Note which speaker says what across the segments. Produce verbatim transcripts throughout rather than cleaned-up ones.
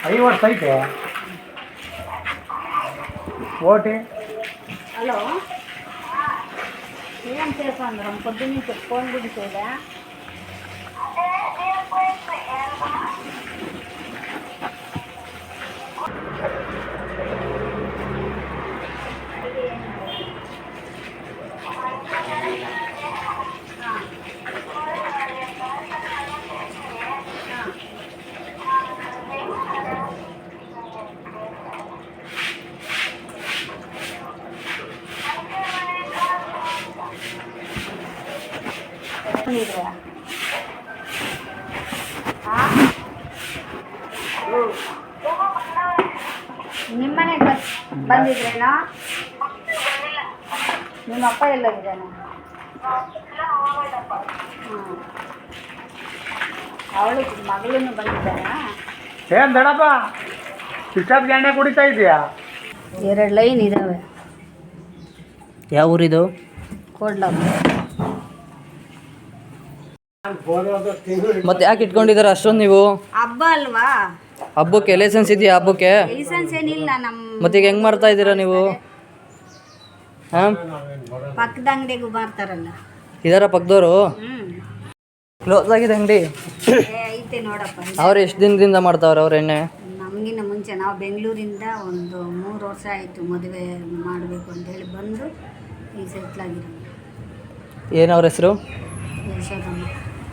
Speaker 1: ಐದು ವರ್ಷ ಐತೆ ಓಟಿ.
Speaker 2: ಹಲೋ, ಏನು ಸೇರ್ಕೊಂಡ್ರ పొద్దున్నీ ఫోన్ బిడిసేదా? ನಿಮ್ಮನೆ ಬಂದಿದ್ರೇನೋ? ನಿಮ್ಮ ಅಪ್ಪ ಎಲ್ಲೋಗಿದ್ದಾನೆ? ಅವಳು ಮಗಳನ್ನು ಬಂದಿದ್ದಾನ?
Speaker 1: ಏನು ದಡಪ್ಪ ಇಷ್ಟೊತ್ತಿಗೆ ಎಣ್ಣೆ ಕುಡಿತಾ ಇದೆಯಾ?
Speaker 2: ಎರಡು ಲೈನ್ ಇದ್ದಾವೆ.
Speaker 3: ಯಾವ ಊರಿದು?
Speaker 2: ಕೋಡ್ಲಾಪುರ.
Speaker 3: ಮತ್ತೆ ಯಾಕೆ ಇಟ್ಕೊಂಡಿದ್ದಾರೆ ಅಷ್ಟೊಂದು ನೀವು?
Speaker 2: ಹಬ್ಬ ಅಲ್ವಾ?
Speaker 3: ಹಬ್ಬಕ್ಕೆ ಲೈಸೆನ್ಸ್ ಇದೆಯಾ? ಹಬ್ಬಕ್ಕೆ
Speaker 2: ಲೈಸೆನ್ಸ್ ಏನಿಲ್ಲ ನಮ್ಮ.
Speaker 3: ಮತ್ತೆ ಈಗ ಹೆಂಗ್ ಮಾಡ್ತಾ ಇದ್ದೀರಾ ನೀವು? ಹಾಂ,
Speaker 2: ಪಕ್ಕದ ಅಂಗಡಿಗೂ ಮಾರ್ತಾರಲ್ಲ.
Speaker 3: ಇದಾರ ಪಕ್ಕದವರು?
Speaker 2: ಹ್ಮ್,
Speaker 3: ಕ್ಲೋಸ್ ಆಗಿದೆ ಅಂಗಡಿ.
Speaker 2: ಐತೆ ನೋಡಪ್ಪ.
Speaker 3: ಅವ್ರು ಎಷ್ಟು ದಿನದಿಂದ ಮಾಡ್ತಾವ್ರೆ ಅವ್ರ ಎಣ್ಣೆ?
Speaker 2: ನಮಗಿನ್ನ ಮುಂಚೆ ನಾವು ಬೆಂಗಳೂರಿಂದ ಒಂದು ಮೂರು ವರ್ಷ ಆಯಿತು ಮದುವೆ ಮಾಡಬೇಕು ಅಂತೇಳಿ ಬಂದು ಈಗ ಸೆಟ್ಲಾಗಿರೋ.
Speaker 3: ಏನು ಅವ್ರ ಹೆಸರು?
Speaker 2: ಯಶೋದಮ್ಮ.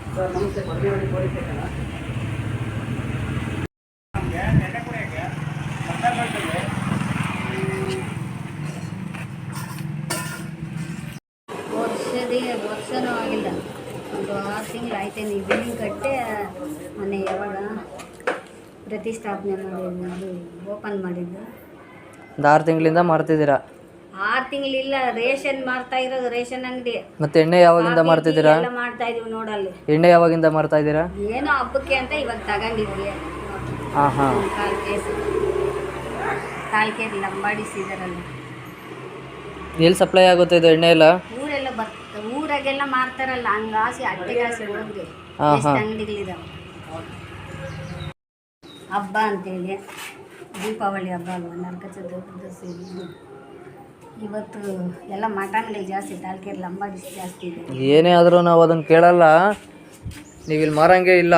Speaker 2: ವರ್ಷದೇ ವರ್ಷನೂ ಆಗಿಲ್ಲ, ಒಂದು ಆರು ತಿಂಗಳು ಆಯ್ತು. ನೀವು ಬಿಲ್ಡಿಂಗ್ ಕಟ್ಟೆ ಮೊನ್ನೆ ಯಾವಾಗ ಪ್ರತಿಷ್ಠಾಪನೆ ಮಾಡಿದ್ದು, ಅದು ಓಪನ್ ಮಾಡಿದ್ದು.
Speaker 3: ಒಂದು ಆರು ತಿಂಗಳಿಂದ ಮಾರ್ತಿದ್ದೀರಾ?
Speaker 2: ಆರು ತಿಂಗಳಿಲ್ಲ, ರೇಷನ್ ಮಾರ್ತಾ ಇರೋದು, ರೇಷನ್ ಅಂಗಡಿ.
Speaker 3: ಮತ್ತೆ ಎಣ್ಣೆ ಯಾವಾಗಿಂದ ಮಾರ್ತಿದ್ದೀರಾ?
Speaker 2: ಎಲ್ಲ ಮಾಡ್ತಾ ಇದೀವಿ ನೋಡಲ್ಲಿ.
Speaker 3: ಎಣ್ಣೆ ಯಾವಾಗಿಂದ ಮಾರ್ತಾ ಇದ್ದೀರಾ?
Speaker 2: ಏನೋ ಹಬ್ಬಕ್ಕೆ ಅಂತ ಇವಾಗ ತಗೊಂಡಿದ್ವಿ.
Speaker 3: ಹಾಂ ಹಾಂ.
Speaker 2: ಕಾಲು ಕೇಸ್ ಕಾಲು ಕೇಸ್ ಲಂಬಾಡಿಸಿದಾರಲ್ಲ.
Speaker 3: ಎಲ್ಲಿ ಸಪ್ಲೈ ಆಗುತ್ತೆ ಇದು ಎಣ್ಣೆ ಎಲ್ಲ?
Speaker 2: ಊರೆಲ್ಲ ಬರ್ತ ಊರಾಗೆಲ್ಲ ಮಾರ್ತಾರಲ್ಲ, ಹಂಗಾಸಿ ಅಟ್ಟೆಗಾಸಿ ಹೋಗ್ರಿ.
Speaker 3: ಹಾಂ
Speaker 2: ಎಷ್ಟು
Speaker 3: ಹಾಂ.
Speaker 2: ಅಂಗಡಿಗಳಿದಾವೆ. ಹಬ್ಬ ಅಂತೇಳಿ ದೀಪಾವಳಿ ಹಬ್ಬ ಅಲ್ವ, ನರಕ ಚತುರ್ದಶಿ. ಇವತ್ತು ಎಲ್ಲ ಮಟನ್ಗಳು ಜಾಸ್ತಿ, ತಾಲ್ಕೇರಿ ಲಂಬಾಡಿಸಿ ಜಾಸ್ತಿ ಇದೆ.
Speaker 3: ಏನೇ ಆದರೂ ನಾವು ಅದನ್ನು ಕೇಳಲ್ಲ, ನೀವು ಇಲ್ಲಿ ಮಾರಂಗೆ ಇಲ್ಲ.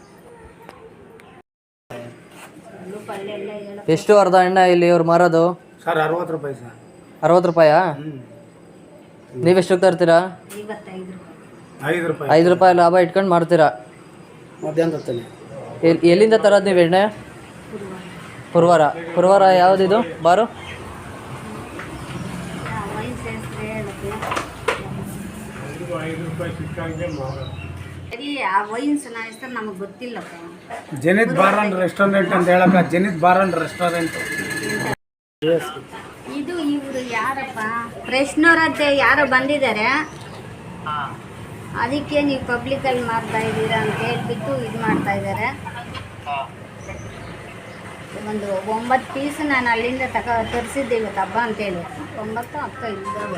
Speaker 2: ಪಲ್ಯ ಎಲ್ಲ ಹೇಳ.
Speaker 3: ಎಷ್ಟು ಅರ್ಧ ಎಣ್ಣೆ ಇಲ್ಲಿ ಇವ್ರು ಮಾರೋದು?
Speaker 1: ಸರ್ ಅರವತ್ತು ರೂಪಾಯಿ ಸರ್.
Speaker 3: ಅರವತ್ತು ರೂಪಾಯಾ? ನೀವೆಷ್ಟು ತರ್ತೀರಾ?
Speaker 2: ಐವತ್ತೈದು ರೂಪಾಯಿ.
Speaker 1: ಐದು ರೂಪಾಯಿ.
Speaker 3: ಐದು ರೂಪಾಯಿ ಲಾಭ ಇಟ್ಕೊಂಡು ಮಾಡ್ತೀರಾ?
Speaker 1: ಮಧ್ಯಾಹ್ನ ತರ್ತೀನಿ.
Speaker 3: ಎಲ್ಲಿ ಎಲ್ಲಿಂದ ತರೋದು ನೀವು ಎಣ್ಣೆ? ಪುರವಾರ. ಪುರವಾರ ಯಾವುದಿದು ಬಾರು?
Speaker 2: ಸರಿ, ಆ ವೈನ್ಸ್ ನಾ ಹೆಸರು ನಮಗೆ ಗೊತ್ತಿಲ್ಲಪ್ಪ.
Speaker 1: ಜನಿತ್ ಬಾರ್ ಅಂಡ್ ರೆಸ್ಟೋರೆಂಟ್ ಅಂತ ಹೇಳಕ್ಕ, ಜನಿತ್ ಬಾರ್ ಅಂಡ್ ರೆಸ್ಟೋರೆಂಟ್.
Speaker 2: ಇದು ಇವರು ಯಾರಪ್ಪ, ಫ್ರೆಶ್ನವರದ್ದೇ ಯಾರೋ ಬಂದಿದ್ದಾರೆ, ಅದಕ್ಕೆ ನೀವು ಪಬ್ಲಿಕಲ್ಲಿ ಮಾರ್ತಾ ಇದ್ದೀರಾ ಅಂತ ಹೇಳ್ಬಿಟ್ಟು ಇದು ಮಾಡ್ತಾ ಇದ್ದಾರೆ. ಒಂದು ಒಂಬತ್ತು ಪೀಸ್ ನಾನು ಅಲ್ಲಿಂದ ತಕ ತರಿಸಿದ್ದೆ ಇವತ್ತು ಹಬ್ಬ ಅಂತೇಳಿ. ಒಂಬತ್ತು ಅಕ್ಕ ಇದ್ದಾವೆ.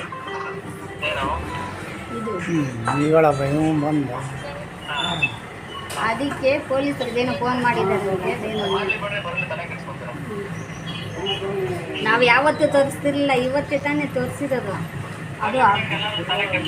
Speaker 2: ಇದು
Speaker 1: ಬಂದ
Speaker 2: ಅದಕ್ಕೆ ಪೊಲೀಸರಿಗೇನೋ ಫೋನ್ ಮಾಡಿದ್ದಾರೆ. ನಾವು ಯಾವತ್ತೂ ತೋರಿಸ್ತಿರ್ಲಿಲ್ಲ, ಇವತ್ತೇ ತಾನೇ ತೋರಿಸಿರೋದು. ಅದು